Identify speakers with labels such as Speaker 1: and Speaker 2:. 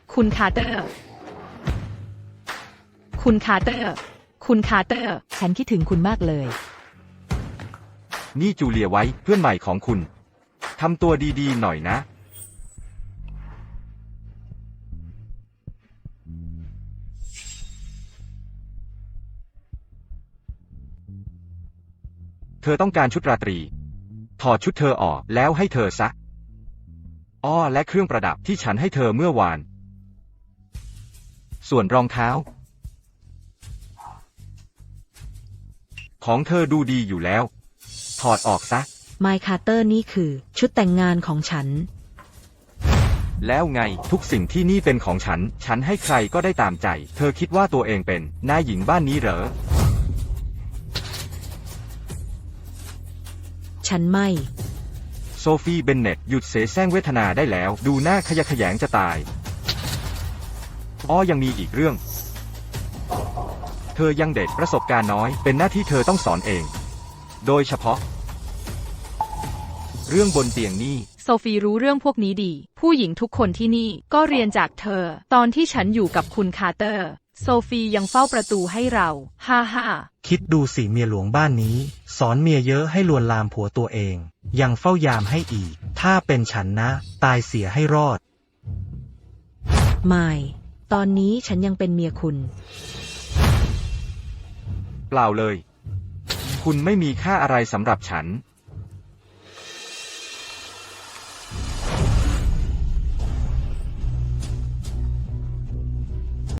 Speaker 1: คุณคาร์เตอร์ คุณคาร์เตอร์ คุณคาร์เตอร์
Speaker 2: ฉันคิดถึงคุณมากเลย
Speaker 3: นี่จูเลียไว้เพื่อนใหม่ของคุณทำตัวดีๆหน่อยนะเธอต้องการชุดราตรีถอดชุดเธอออกแล้วให้เธอซะอ้อและเครื่องประดับที่ฉันให้เธอเมื่อวานส่วนรองเท้าของเธอดูดีอยู่แล้วถอดออกซะ
Speaker 2: ไมค์คาร์เตอร์นี่คือชุดแต่งงานของฉัน
Speaker 3: แล้วไงทุกสิ่งที่นี่เป็นของฉันฉันให้ใครก็ได้ตามใจเธอคิดว่าตัวเองเป็นนายหญิงบ้านนี้เหรอ
Speaker 2: ฉันไม่
Speaker 3: โซฟีเบนเน็ตหยุดเสแสร้งเวทนาได้แล้วดูหน้าขยะแขยงจะตายอ้อยังมีอีกเรื่องเธอยังเด็กประสบการณ์น้อยเป็นหน้าที่เธอต้องสอนเองโดยเฉพาะเรื่องบนเตียงนี่
Speaker 1: โซฟีรู้เรื่องพวกนี้ดี ผู้หญิงทุกคนที่นี่ก็เรียนจากเธอ ตอนที่ฉันอยู่กับคุณคาร์เตอร์ โซฟียังเฝ้าประตูให้เราฮ่าฮ่า
Speaker 4: คิดดูสิเมียหลวงบ้านนี้สอนเมียเยอะให้ลวนลามผัวตัวเองยังเฝ้ายามให้อีกถ้าเป็นฉันนะตายเสียให้รอด
Speaker 2: ไม่ตอนนี้ฉันยังเป็นเมียคุณ
Speaker 3: เปล่าเลยคุณไม่มีค่าอะไรสำหรับฉัน